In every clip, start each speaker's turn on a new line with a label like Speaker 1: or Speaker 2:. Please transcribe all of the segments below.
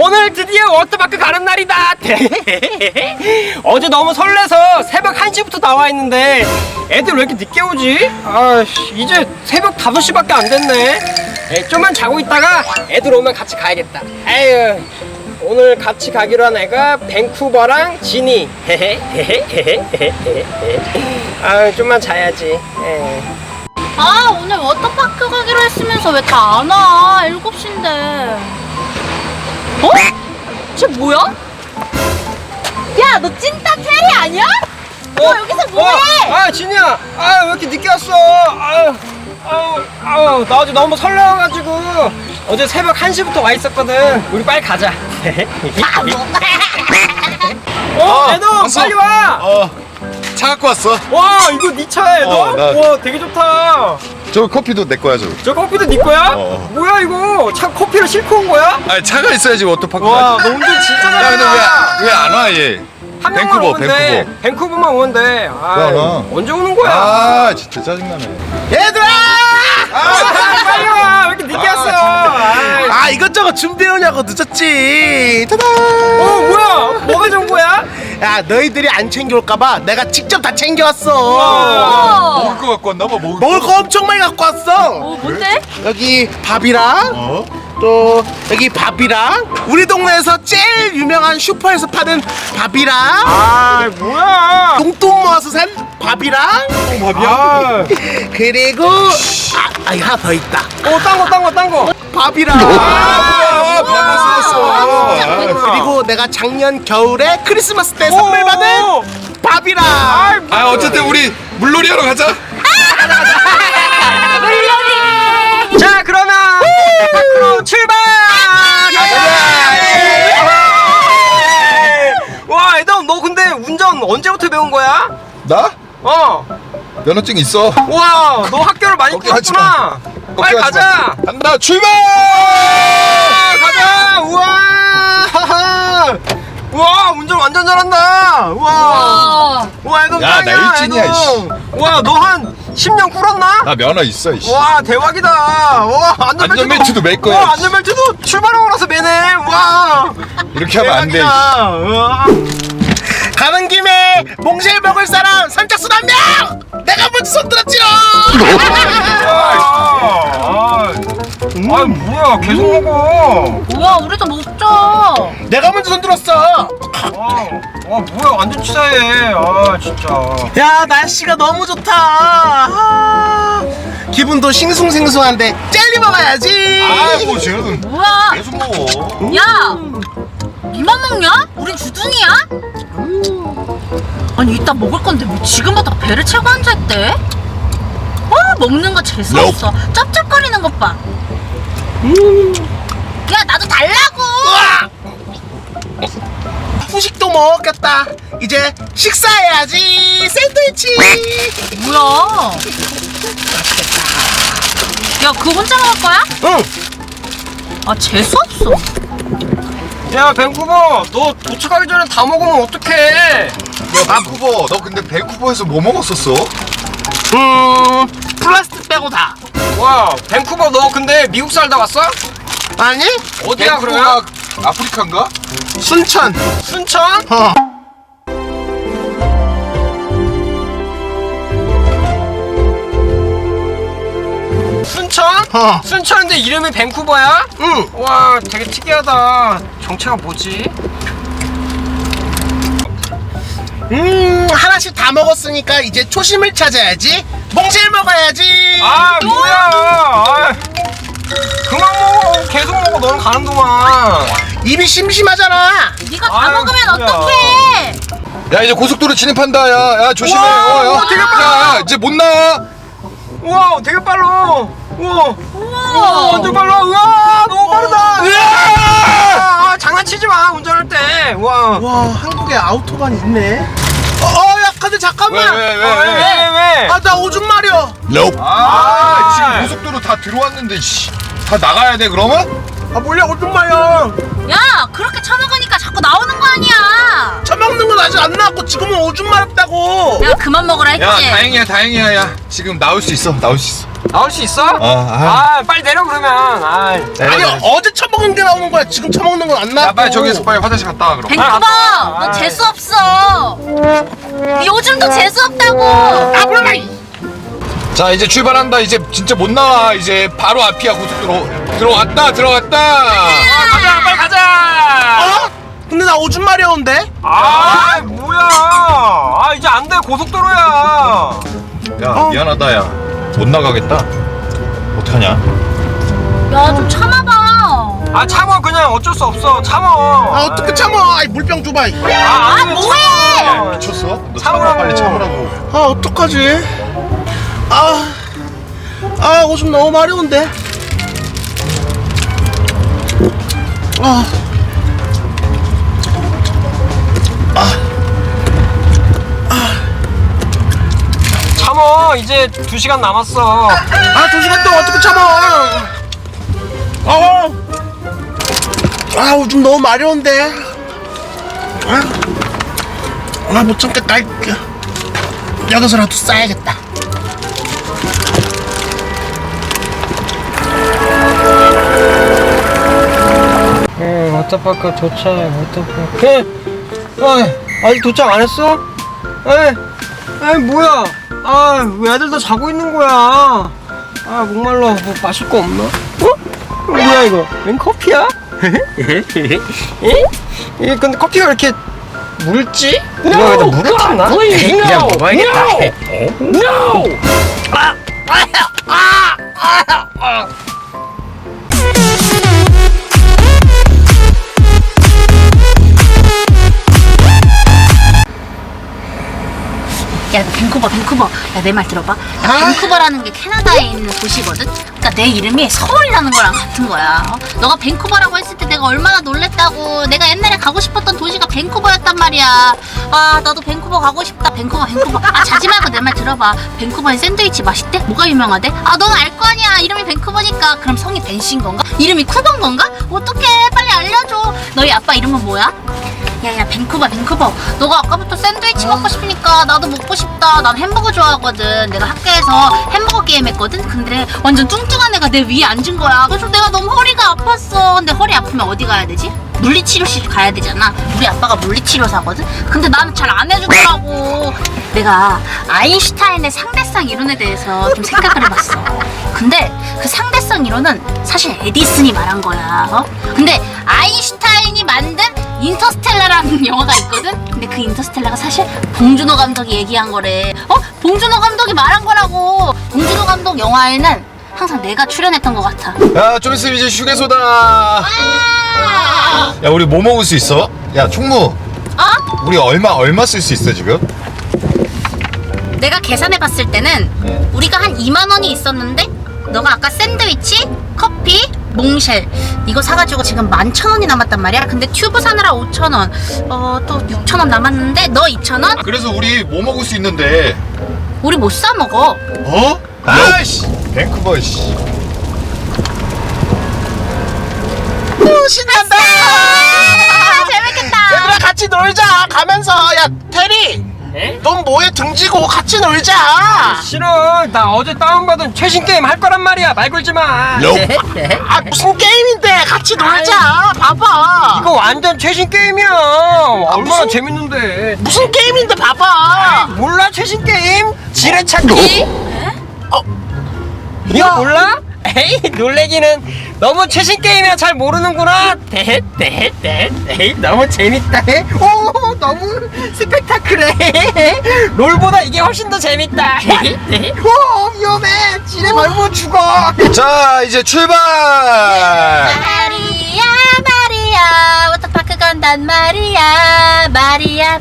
Speaker 1: 오늘 드디어 워터파크 가는 날이다. 어제 너무 설레서 새벽 1시부터 나와 있는데 애들 왜 이렇게 늦게 오지? 아씨, 이제 새벽 5시밖에 안 됐네. 좀만 자고 있다가 애들 오면 같이 가야겠다. 아유, 오늘 같이 가기로 한 애가 밴쿠버랑 지니. 아, 좀만 자야지.
Speaker 2: 아, 오늘 워터파크 가기로 했으면서 왜 다 안 와? 7시인데. 어? 쟤 뭐야? 야, 너 찐따 테리 아니야? 너 여기서 뭐해?
Speaker 1: 아, 지니야. 아, 왜 이렇게 늦게 왔어? 나 어제 너무 설레어가지고 어제 새벽 1시부터 와 있었거든. 우리 빨리 가자. 애동
Speaker 3: 왔어.
Speaker 1: 빨리 와.
Speaker 3: 차 갖고 왔어.
Speaker 1: 와, 이거 네 차야, 애동?
Speaker 3: 나-
Speaker 1: 와, 되게 좋다.
Speaker 3: 저 커피도 내 거야, 저거.
Speaker 1: 저 커피도 네 거야? 뭐야 이거? 차 커피를 싣고 온 거야?
Speaker 3: 아니, 차가 있어야지 워터파크
Speaker 1: 와,
Speaker 3: 가지.
Speaker 1: 너 운전 진짜
Speaker 3: 야, 근데
Speaker 1: 잘한다.
Speaker 3: 왜 안 와, 얘?
Speaker 1: 한 명만
Speaker 3: 밴쿠버,
Speaker 1: 오면 돼. 밴쿠버만 오면 돼. 아,
Speaker 3: 왜 안 와?
Speaker 1: 언제 오는 거야?
Speaker 3: 아, 진짜 짜증나네.
Speaker 4: 얘들아!
Speaker 1: 빨리 와. 왜 이렇게 늦게 왔어? 아이.
Speaker 4: 아, 이것저것 준비해오냐고 늦었지. 타다!
Speaker 1: 뭐야? 뭐가 좋은 거야?
Speaker 4: 야, 너희들이 안 챙겨올까봐 내가 직접 다 챙겨왔어.
Speaker 3: 먹을 거 갖고 왔나 봐, 먹을 거.
Speaker 4: 먹을 거 엄청 많이 갖고 왔어.
Speaker 2: 뭔데?
Speaker 4: 여기 밥이랑 또 여기 밥이랑 우리 동네에서 제일 유명한 슈퍼에서 파는 밥이랑
Speaker 1: 아, 뭐야?
Speaker 4: 똥똥 모아서 산 밥이랑
Speaker 1: 아,
Speaker 4: 그리고 이거 하나 더 있다.
Speaker 1: 딴 거.
Speaker 4: 밥이랑
Speaker 3: 밥만 쓰였어.
Speaker 4: 그리고 내가 작년 겨울에 크리스마스 때 선물 받은 밥이랑
Speaker 3: 아, 어쨌든 우리 물놀이 하러 가자.
Speaker 1: 자, 그러면 밖으로 출발! 와, 애덤, 너 근데 운전 언제부터 배운 거야?
Speaker 3: 나? 면허증 있어.
Speaker 1: 와, 너 학교를 많이
Speaker 3: 걱정하지
Speaker 1: 끊었구나. 빨리
Speaker 3: 걱정하지
Speaker 1: 가자.
Speaker 3: 마. 간다, 출발!
Speaker 1: 가자. 우와. 우와, 운전 완전 잘한다. 우와. 와, 애덤
Speaker 3: 야, 나
Speaker 1: 짱이야,
Speaker 3: 일진이야,
Speaker 1: 애덤. 와, 너 한 10년 꿇었나?
Speaker 3: 나 면허 있어, 이씨.
Speaker 1: 와, 대박이다. 와,
Speaker 3: 안전벨트도 맬 거야.
Speaker 1: 와, 안전벨트도 출발하고 나서 매네. 와.
Speaker 3: 이렇게 하면 안 돼, 이씨.
Speaker 1: 대박이다. 우와.
Speaker 4: 가는 김에 몽쉘 먹을 사람 선착순 한 명! 내가 먼저 손 들었지롱!
Speaker 1: 아, 뭐야, 계속 먹어.
Speaker 2: 뭐야, 우리도 먹자.
Speaker 4: 내가 먼저 손 들었어.
Speaker 1: 뭐야, 완전 치사해. 아, 진짜.
Speaker 4: 야, 날씨가 너무 좋다. 기분도 싱숭생숭한데 젤리 먹어야지.
Speaker 3: 아이고, 쟤는
Speaker 2: 뭐야?
Speaker 3: 계속 먹어.
Speaker 2: 야! 니만 먹냐? 우린 주둥이야? 아니, 이따 먹을 건데 왜 지금부터 배를 채고 앉아있대? 먹는 거 재수없어. 쩝쩝거리는 것 봐. 야, 나도 달라고!
Speaker 4: 후식도 먹었겠다. 이제 식사해야지. 샌드위치.
Speaker 2: 뭐야? 야, 그거 혼자 먹을 거야?
Speaker 4: 응.
Speaker 2: 아, 재수없어.
Speaker 1: 야, 밴쿠버, 너 도착하기 전에 다 먹으면 어떡해?
Speaker 3: 밴쿠버, 너 근데 밴쿠버에서 뭐 먹었었어?
Speaker 4: 플라스틱 빼고 다.
Speaker 1: 와, 밴쿠버, 너 근데 미국 살다 왔어?
Speaker 4: 아니?
Speaker 1: 어디야, 그러면?
Speaker 3: 밴쿠버가 아프리카인가?
Speaker 4: 순천.
Speaker 1: 순천? 순천? 순천인데 이름이 밴쿠버야?
Speaker 4: 응.
Speaker 1: 와, 되게 특이하다. 정체가 뭐지?
Speaker 4: 하나씩 다 먹었으니까 이제 초심을 찾아야지. 몽쉘 먹어야지.
Speaker 1: 아, 뭐야? 아, 그만 먹어. 계속 먹어. 너는 가는 동안.
Speaker 4: 입이 심심하잖아.
Speaker 2: 네가 다
Speaker 1: 아유,
Speaker 2: 먹으면
Speaker 1: 뭐야.
Speaker 2: 어떡해?
Speaker 3: 야, 이제 고속도로 진입한다. 야, 조심해.
Speaker 1: 우와, 되게 빨라.
Speaker 3: 야, 이제 못 나와.
Speaker 1: 우와, 되게 빨라. 우와.
Speaker 2: 우와.
Speaker 1: 완전 빨라. 우와, 너무 빠르다. 우와. 장난치지 마. 운전할 때. 우와.
Speaker 4: 와, 한국에 아우토반이 있네. 야, 근데 잠깐만.
Speaker 1: 왜?
Speaker 4: 아, 나 오줌 마려.
Speaker 3: 지금 고속도로 다 들어왔는데, 씨. 다 나가야 돼, 그러면?
Speaker 4: 아, 몰래 오줌 마려.
Speaker 2: 야, 그렇게 처먹으니까 자꾸 나오는 거 아니야.
Speaker 4: 처먹는 건 아직 안 나왔고 지금은 오줌 마렵다고.
Speaker 2: 내가 그만 먹으라 했지.
Speaker 3: 야, 다행이야. 야, 지금 나올 수 있어.
Speaker 1: 나올 수 있어? 빨리 내려 그러면.
Speaker 4: 아니 어제 처먹은 게 나오는 거야. 지금 처먹는 건 안 나와.
Speaker 3: 야 빨리 저기서 빨리 화장실 갔다 와 그럼.
Speaker 2: 뱅크버, 너 재수 없어. 요즘도 재수 없다고.
Speaker 4: 몰라.
Speaker 3: 자 이제 출발한다. 이제 진짜 못 나와. 이제 바로 앞이야 고속도로. 들어갔다.
Speaker 1: 가자 빨리 가자.
Speaker 4: 근데 나 오줌 마려운데?
Speaker 1: 뭐야. 이제 안 돼. 고속도로야.
Speaker 3: 야 미안하다 야. 못 나가겠다. 어떡하냐?
Speaker 2: 야, 좀 참아봐.
Speaker 1: 참어. 그냥 어쩔 수 없어. 참어.
Speaker 4: 어떻게 참아? 아이 물병 줘봐.
Speaker 2: 뭐해?
Speaker 3: 미쳤어? 너
Speaker 1: 참으라고.
Speaker 3: 참아 빨리 참으라고.
Speaker 4: 어떡하지? 오줌 너무 마려운데.
Speaker 1: 참어. 이제 2시간 남았어.
Speaker 4: 2시간 동안 어떻게 참아? 오줌 너무 마려운데. 못 참겠다. 여기서라도 싸야겠다.
Speaker 1: 워터파크 도착. 아직 도착 안 했어? 뭐야? 왜 애들 다 자고 있는 거야? 목말라. 뭐 마실 거 없나? 뭐야 이거? 웬 커피야? 근데 커피가 왜 이렇게 묽지? 이거 여기다 물을 탔나? 그냥 먹어야겠다.
Speaker 2: 야, 밴쿠버. 야, 내 말 들어봐. 밴쿠버라는 게 캐나다에 있는 도시거든? 그러니까 내 이름이 서울이라는 거랑 같은 거야. 너가 밴쿠버라고 했을 때 내가 얼마나 놀랬다고. 내가 옛날에 가고 싶었던 도시가 밴쿠버였단 말이야. 나도 밴쿠버 가고 싶다. 밴쿠버. 자지 말고 내 말 들어봐. 밴쿠버에 샌드위치 맛있대? 뭐가 유명하대? 넌 알 거 아니야. 이름이 밴쿠버니까. 그럼 성이 벤신 건가? 이름이 쿠건 건가? 어떡해. 빨리 알려줘. 너희 아빠 이름은 뭐야? 야, 밴쿠버. 너가 아까부터 샌드위치 먹고 싶으니까 나도 먹고 싶다. 난 햄버거 좋아하거든. 내가 학교에서 햄버거 게임 했거든. 근데 완전 뚱뚱한 애가 내 위에 앉은 거야. 그래서 내가 너무 허리가 아팠어. 근데 허리 아프면 어디 가야 되지? 물리치료실 가야 되잖아. 우리 아빠가 물리치료사거든. 근데 나는 잘 안 해주더라고. 내가 아인슈타인의 상대성 이론에 대해서 좀 생각을 해봤어. 근데 그 상대성 이론은 사실 에디슨이 말한 거야. 근데 아인슈타인이 만든 인터스텔라라는 영화가 있거든? 근데 그 인터스텔라가 사실 봉준호 감독이 얘기한 거래. 봉준호 감독이 말한 거라고. 봉준호 감독 영화에는 항상 내가 출연했던 것 같아.
Speaker 3: 야 좀 있으면 이제 휴게소다. 야 우리 뭐 먹을 수 있어? 야 총무. 우리 얼마 쓸 수 있어 지금?
Speaker 2: 내가 계산해 봤을 때는 우리가 한 2만 원이 있었는데 너가 아까 샌드위치, 커피, 몽쉘 이거 사가지고 지금 11,000원이 남았단 말이야. 근데 튜브 사느라 5,000원, 또 6,000원 남았는데 너 2,000원?
Speaker 3: 그래서 우리 뭐 먹을 수 있는데?
Speaker 2: 우리 못 사 먹어.
Speaker 3: 아이씨 밴쿠버 씨.
Speaker 4: 신난다.
Speaker 2: 재밌겠다.
Speaker 4: 얘들아 같이 놀자. 가면서 야 테리. 넌 뭐해 등지고 같이 놀자.
Speaker 1: 싫어. 나 어제 다운받은 최신 게임 할 거란 말이야. 말 걸지 마.
Speaker 4: 무슨 게임인데 같이 놀자. 봐봐.
Speaker 1: 이거 완전 최신 게임이야. 얼마나 재밌는데.
Speaker 4: 무슨 게임인데 봐봐.
Speaker 1: 몰라 최신 게임? 지뢰찾기? 이거 몰라? 에이 놀래기는. 너무 최신 게임이라 잘 모르는구나. 너무 재밌다. 오 너무 스펙타클해. 롤보다 이게 훨씬 더 재밌다. 오 위험해. 지뢰 밟으면 죽어.
Speaker 3: 자 이제 출발.
Speaker 2: 마리아 워터파크 간단 말이야. 마리아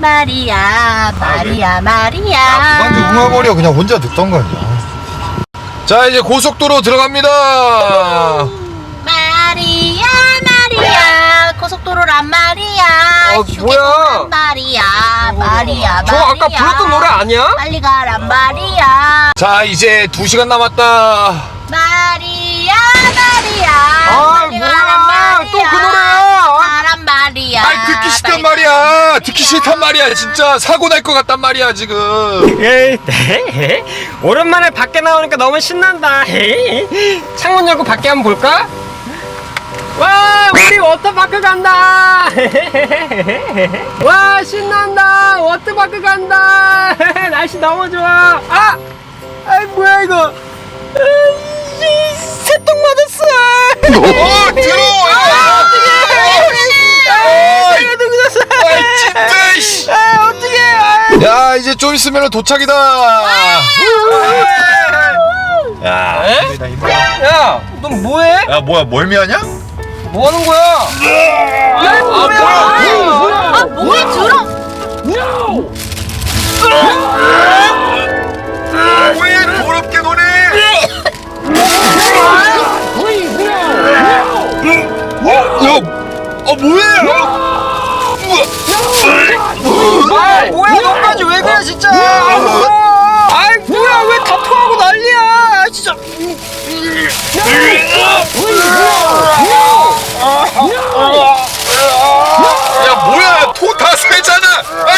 Speaker 3: 그만 좀 웅얼거려. 그냥 혼자 듣던가. 자 이제 고속도로 들어갑니다.
Speaker 2: 마리아 고속도로란 말이야.
Speaker 1: 뭐야?
Speaker 2: 마리아
Speaker 1: 저 아까 불렀던 노래 아니야?
Speaker 2: 빨리 가란 말이야.
Speaker 3: 자 이제 2시간 남았다.
Speaker 2: 마리아
Speaker 1: 뭐야? 또 그 노래야.
Speaker 2: 가란 말이야.
Speaker 3: 아이 듣기 싫단 말이야. 듣기 싫단 말이야. 진짜 사고 날 것 같단 말이야 지금.
Speaker 1: 네. 오랜만에 밖에 나오니까 너무 신난다. 창문 열고 밖에 한번 볼까? 와, 우리 워터파크 간다. 와, 신난다. 워터파크 간다. 날씨 너무 좋아. 아이 뭐야 이거? 새똥 맞았어.
Speaker 3: 들어와.
Speaker 1: 어떡해.
Speaker 3: 야 이제 좀 있으면 도착이다. 야,
Speaker 1: 야, 넌 뭐해?
Speaker 3: 야 뭐야 멀미하냐?
Speaker 1: 뭐 하는 거야? 야, 뭐야?
Speaker 2: 아, 뭐해, 들어.
Speaker 3: 왜 더럽게 노네?
Speaker 1: 뭐야, 너까지 왜 그래, 진짜? 아이, 뭐야, 왜 다 토하고 난리야, 진짜.
Speaker 3: 야 뭐야 토 다 새잖아. 아